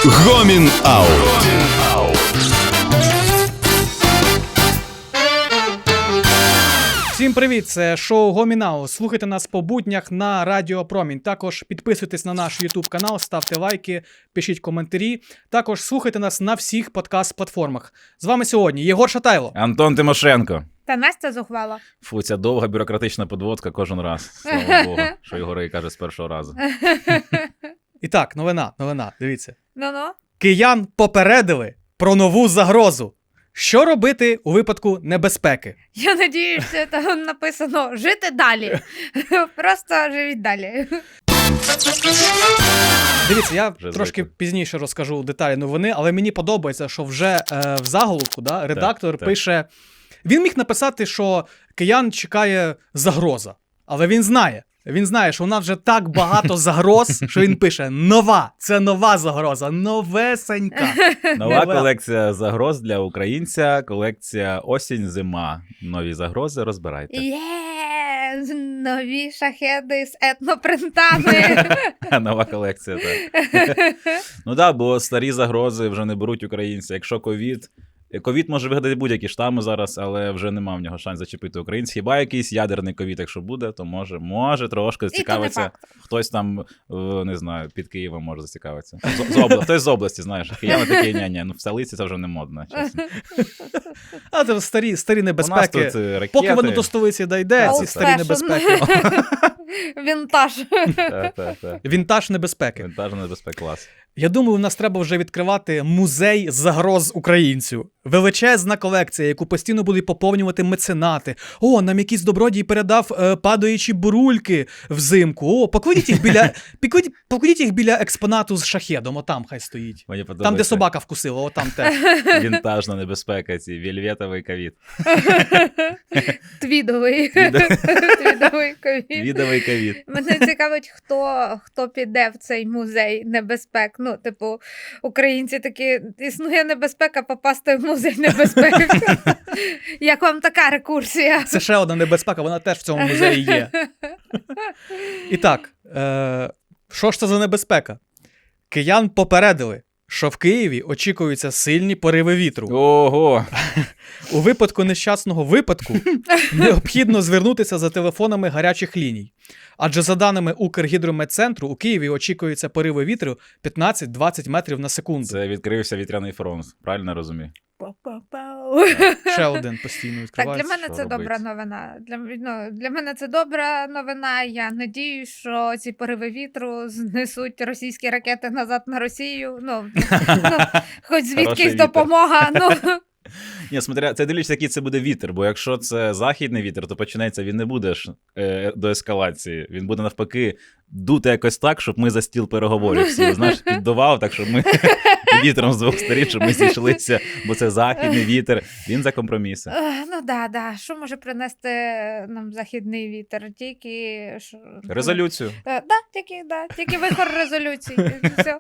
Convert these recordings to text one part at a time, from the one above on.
Гомін Аут. Всім привіт, це шоу Гомін Аут. Слухайте нас по буднях на Радіо Промінь. Також підписуйтесь на наш YouTube канал, ставте лайки, пишіть коментарі. Також слухайте нас на всіх подкаст-платформах. З вами сьогодні Єгор Шатайло, Антон Тимошенко. Та Настя зухвала. Фу, ця довга бюрократична підводка кожен раз. Слава Богу, що Єгор каже з першого разу. І так, новина, дивіться. Ну-ну. Киян попередили про нову загрозу. Що робити у випадку небезпеки? Я надіюся, там написано «жити далі». Просто живіть далі. Дивіться, я Вже трошки звикли. пізніше розкажу деталі новини, але мені подобається, що вже в заголовку редактор так. пише... Він міг написати, що киян чекає загроза, але він знає, що у нас вже так багато загроз, що він пише «нова». Це нова загроза, новесенька. Нова колекція загроз для українця, колекція осінь-зима. Нові загрози розбирайте. Є! Нові шахеди з етнопринтами. Нова колекція, так. Ну так, бо старі загрози вже не беруть українці. Якщо ковід може вигадати будь-які штами зараз, але вже нема в нього шанс зачепити українців. Хіба якийсь ядерний ковід, якщо буде, то може трошки зацікавиться. Хтось там, не знаю, під Києвом може зацікавитися. Хтось з області, знаєш. Кияни такі, ні, в столиці це вже не модно, чесно. А це старі небезпеки. У нас тут ракети. Поки воно до столиці дійде, ці Old старі fashion. небезпеки. Вінтаж. Так. Вінтаж небезпеки. Вінтажна небезпека, клас. Я думаю, у нас треба вже відкривати музей загроз українцю. Величезна колекція, яку постійно будуть поповнювати меценати. О, нам якийсь добродій передав падаючі бурульки взимку. О, покладіть їх біля експонату з шахедом, отам хай стоїть. Мені подобається. Там, де собака вкусила, отам теж. Вінтажна небезпека, ці вельветовий ковід. Твідовий. Твідовий ковід. Відовий ковід. Мене цікавить, хто піде в цей музей небезпек. Ну, типу, українці такі, існує небезпека попасти в музей небезпек. Як вам така рекурсія? Це ще одна небезпека, вона теж в цьому музеї є. І так, що ж це за небезпека? Киян попередили, що в Києві очікуються сильні пориви вітру. Ого! У випадку нещасного випадку необхідно звернутися за телефонами гарячих ліній. Адже за даними Укргідрометцентру, у Києві очікуються пориви вітру 15-20 метрів на секунду. Це відкрився вітряний фронт, правильно розумію? Пау-пау-пау. Ще один постійно Так, відкривається. для мене що це робити? добра новина. Для мене це добра новина. Я надіюсь, що ці пориви вітру знесуть російські ракети назад на Росію. Хоч звідкись Хороший допомога. Ні, смотря, це дивлячись, який це буде вітер, бо якщо це західний вітер, то почнеться, він не буде ж до ескалації, він буде навпаки дути якось так, щоб ми за стіл переговорів всі, знаєш, піддував, так, щоб ми вітром з двох сторін, щоб ми зійшлися, бо це західний вітер, він за компроміси. Ну да. Що може принести нам західний вітер? Тільки... Резолюцію. Тільки вихор резолюцій. Все.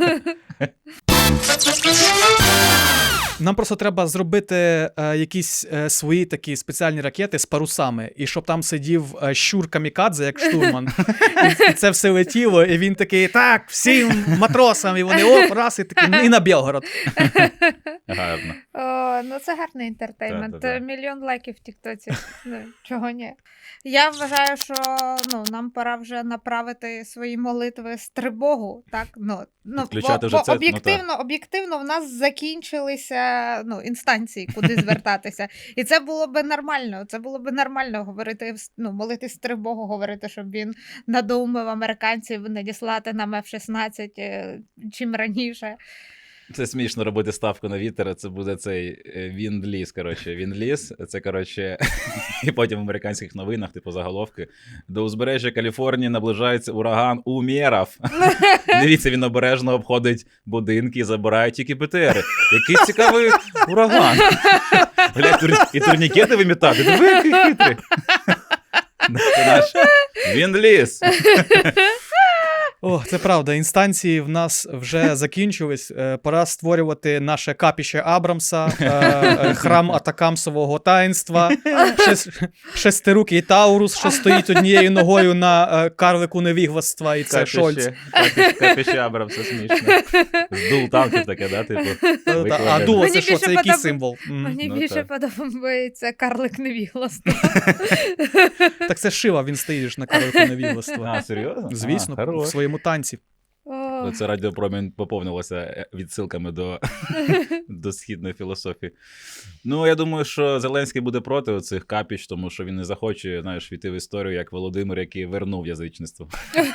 Нам просто треба зробити якісь свої такі спеціальні ракети з парусами, і щоб там сидів щур камікадзе, як штурман, і це все летіло, і він такий, так, всім матросам, і вони, оп, раз, і такі, і на Білгород. Гарно. Ну це гарний інтертеймент. Та-та-та. Мільйон лайків в тіктоці. Чого ні? Я вважаю, що нам пора вже направити свої молитви з тривогу. Так? Підключати вже бо це, об'єктивно в нас закінчилися інстанції, куди звертатися. І це було би нормально. Це було би нормально говорити, молитись з тривогу, говорити, щоб він надоумив американців надіслати нам F-16 чим раніше. Це смішно робити ставку на вітер, це буде цей Вінд-ліз, коротше. Вінд-ліз, це, коротше, і потім в американських новинах, типу заголовки, до узбережжя Каліфорнії наближається ураган Умєров. Дивіться, він обережно обходить будинки і забирає тільки БТРи. Який цікавий ураган. Глянь, і турнікети вимітати. Диви, який хитрий. Це наш Вінд-ліз. О, це правда, інстанції в нас вже закінчились. Пора створювати наше капіще Абрамса, храм Атакамсового таїнства, шестирукий Таурус, що стоїть однією ногою на карлику невігластва, і це Шольц. Капіще Абрамса, смішно. З дул танків таке, да, типу? А дуо Мені це що? більше Це який подоб- символ? Мені Ну, більше так. подобається карлик невігласта. Так це Шива, він стоїть ж на карлику невігластва. А, серйозно? Звісно, А, в хорош. своєму танці. О, Це радіопромінь поповнилося відсилками до східної філософії. Ну, я думаю, що Зеленський буде проти цих капіч, тому що він не захоче, знаєш, війти в історію, як Володимир, який вернув язичництво.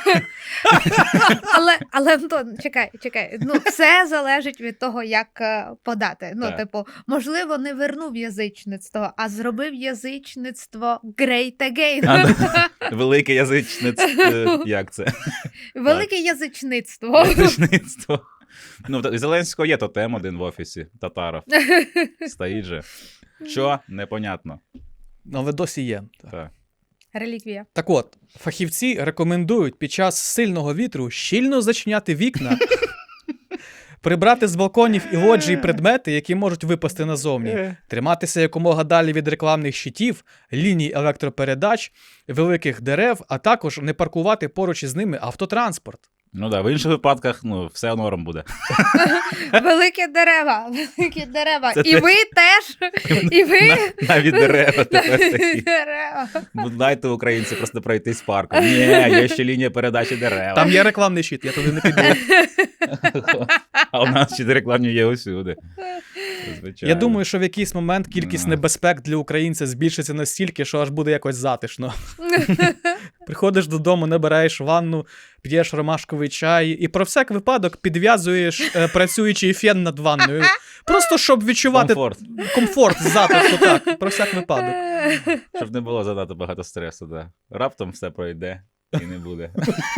але Антон, чекай. Ну, все залежить від того, як подати. Ну, Так. типу, можливо, не вернув язичництво, а зробив язичництво great again. Велике язичництво, як це? Велике язичництво. Язичництво. Ну, в Зеленського є тотем один в офісі, Татаров. Стоїть же. Що? Непонятно. Але досі є. Так. Реліквія. Так от, фахівці рекомендують під час сильного вітру щільно зачиняти вікна, прибрати з балконів і лоджій предмети, які можуть випасти назовні, триматися якомога далі від рекламних щитів, ліній електропередач, великих дерев, а також не паркувати поруч із ними автотранспорт. Ну так, в інших випадках, ну, все норм буде. Великі дерева. Це І ви теж. І ви. Навіть дерева тепер Навіть такі. дерева. Дайте українці просто пройтись парком. Ні, є ще лінія передачі дерев. Там є рекламний щит, я туди не піду. А у нас ще рекламні є усюди. Звичайно. Я думаю, що в якийсь момент кількість Ну. небезпек для українця збільшиться настільки, що аж буде якось затишно. Приходиш додому, набираєш ванну, п'єш ромашковий чай і про всяк випадок підв'язуєш працюючий фен над ванною. Просто щоб відчувати комфорт затишку, так, про всяк випадок. Щоб не було занадто багато стресу, да. Раптом все пройде і не буде.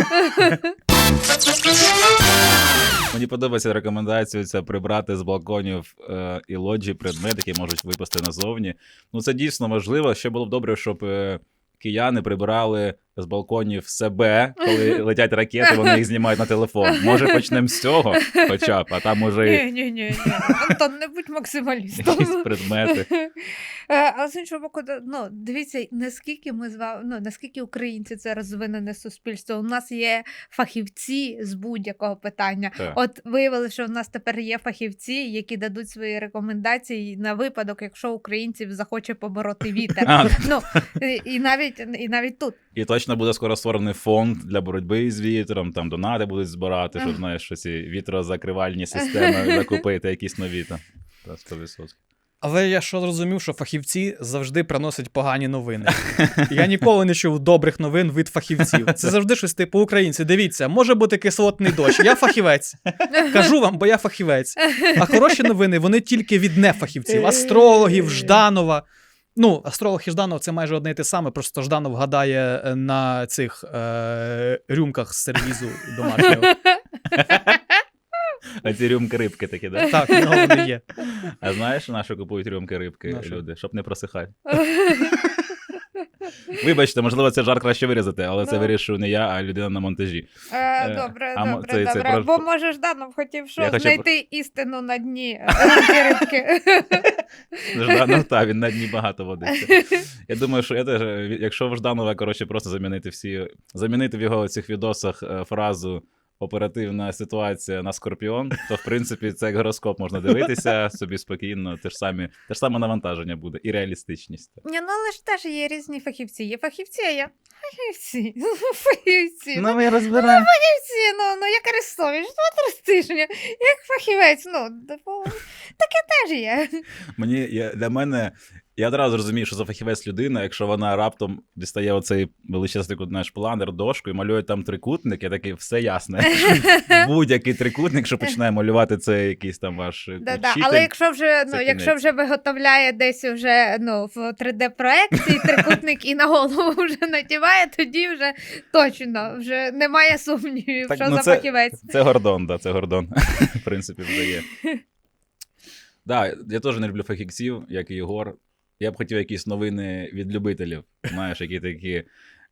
Мені подобається рекомендація ця прибрати з балконів і лоджій предмети, які можуть випасти назовні. Ну це дійсно важливо. Ще було б добре, щоб кияни прибирали з балконів себе, коли летять ракети, вони їх знімають на телефон. Може почнемо з цього хоча б, а там може і Ні. Антон, не будь максималістом. якісь предмети. А з іншого боку, ну, дивіться, наскільки ми з вами, ну, наскільки українці це розвинене суспільство. У нас є фахівці з будь-якого питання. Так. От виявили, що в нас тепер є фахівці, які дадуть свої рекомендації на випадок, якщо українців захоче побороти вітер. А. Ну, і навіть тут. І точно буде скоро створений фонд для боротьби з вітром, там донати будуть збирати, щоб, знаєш, що ці вітрозакривальні системи закупити, якісь нові там. 100%. Але я що зрозумів, що фахівці завжди приносять погані новини. Я ніколи не чув добрих новин від фахівців. Це завжди щось типу українці. Дивіться, може бути кислотний дощ. Я фахівець. Кажу вам, бо я фахівець. А хороші новини, вони тільки від нефахівців. Астрологів, Жданова. Ну, астролог і Жданов – це майже одне і те саме, просто Жданов гадає на цих рюмках з сервізу домашнього. А ці рюмки рибки такі, да? Так, в нього вони є. А знаєш, на що купують рюмки рибки На що? люди? Щоб не просихати. Вибачте, можливо, це жарт краще вирізати, але це Ну. вирішую не я, а людина на монтажі. Добре. це про- Бо може Жданов хотів що? Я хочу- Знайти істину на дні рибки. Жданов, та, він на дні багато водиться. Я думаю, що я теж, якщо в Жданова, коротше, просто замінити в його цих відосах фразу оперативна ситуація на Скорпіон, то, в принципі, це як гороскоп можна дивитися собі спокійно, те ж саме навантаження буде і реалістичність. Ні, ну але ж теж є різні фахівці. Є фахівці, а є фахівці. Фахівці. Ну, ми розбираємо. Фахівці, ну як Арестович, 2-3 тижні. Як фахівець, типу, таке теж є. Для мене, я одразу розумію, що за фахівець людина, якщо вона раптом дістає оцей величезний, знаєш, планер, дошку і малює там трикутник, я такий, все ясно. Будь-який трикутник, що починає малювати, це якийсь там ваш вчитель. Але якщо це кінець. виготовляє десь вже в 3D-проекції трикутник і на голову вже надіває, тоді вже точно, вже немає сумнівів, Так, що ну, за це- фахівець. Це Гордон, да, це Гордон. В принципі, вже є. Да, я теж не люблю фахівців, як і Єгор. Я б хотів якісь новини від любителів, знаєш, які такі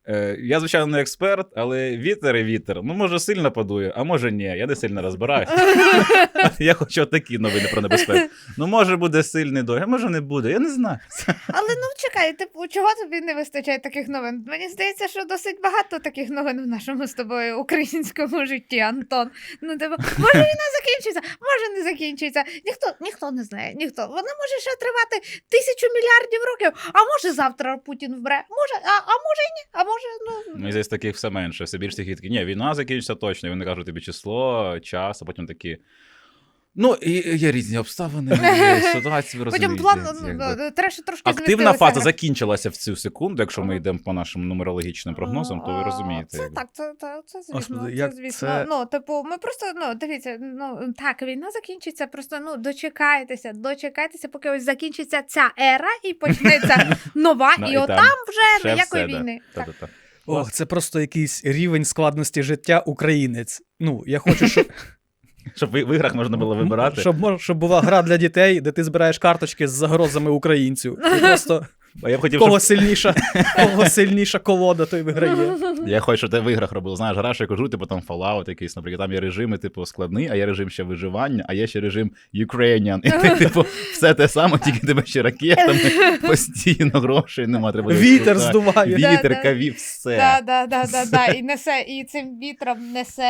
Я, звичайно, не експерт, але вітер і вітер. Ну, може, сильно подує, а може ні. Я не сильно розбираюся. Я хочу такі новини про небезпеку. Ну, може, буде сильний дощ, а може не буде. Я не знаю. Але ну чекай, типу, чого тобі не вистачає таких новин? Мені здається, що досить багато таких новин в нашому з тобою українському житті, Антон. Ну, типу, може війна закінчиться, може не закінчиться. Ніхто не знає, ніхто. Вона може ще тривати 1000 мільярдів років, а може завтра Путін вмре, може, а може і ні, а може, ну... Мені здається, таких все менше, все більше таких такі, ні, війна закінчиться точно, і вони кажуть тобі число, час, а потім такі. Ну, і є різні обставини, є ситуації, ви Потім розумієте. план трошки Активна фаза змістилися. закінчилася в цю секунду, якщо ми йдемо по нашим нумерологічним прогнозам, то ви розумієте. Це так, це звісно, Господи, це як звісно. це- Ну, типу, ми просто, ну, дивіться, ну, так, війна закінчиться, просто, ну, дочекайтеся, поки ось закінчиться ця ера і почнеться нова, Ну, і і отам там вже Ще ніякої все, да. війни. Так. Та-та-та. Ох, це просто якийсь рівень складності життя українець. Ну, я хочу, щоб, Щоб в іграх можна було вибирати. щоб була гра для дітей, де ти збираєш карточки з загрозами українцю. І просто А я б хотів, кого щоб... сильніша колода, той виграє. Я хочу, щоб ти в іграх робив. Знаєш, граєш яку гру, типу там Fallout якийсь, наприклад, там є режими, типу, складний, а є режим ще виживання, а є ще режим Ukrainian. І ти, типу, все те саме, тільки тебе ще ракетами, постійно грошей нема. Треба Вітер так, здуває. Вітер, Да. каві, все. Да. І цим вітром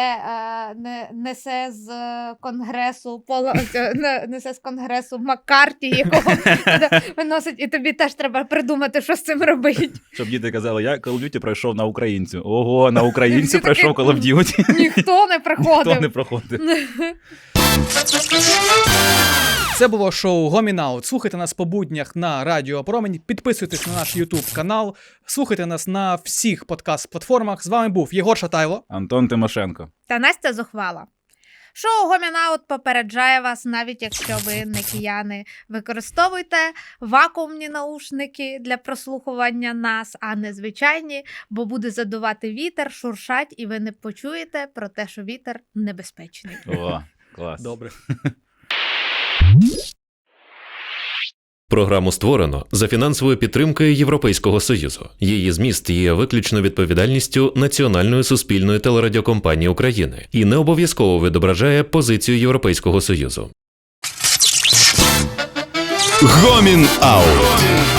несе з конгресу несе з конгресу Маккарті, якого виносить, і тобі теж треба придумати, що з цим робити. Щоб діти казали, я Call of Duty пройшов на українцю. Ого, на українцю Всі пройшов такі, Call of Duty. Ніхто не приходив. Ніхто не проходив. Це було шоу Гомінаут. Слухайте нас по буднях на Радіо Промінь, підписуйтесь на наш YouTube канал, слухайте нас на всіх подкаст-платформах. З вами був Єгор Шатайло. Антон Тимошенко. Та Настя зухвала. Шоу Гомінаут попереджає вас, навіть якщо ви не кияни. Використовуйте вакуумні наушники для прослухування нас, а не звичайні, бо буде задувати вітер, шуршать, і ви не почуєте про те, що вітер небезпечний. О, клас. Добре. Програму створено за фінансовою підтримкою Європейського Союзу. Її зміст є виключно відповідальністю Національної суспільної телерадіокомпанії України і не обов'язково відображає позицію Європейського Союзу. Гомін Аут.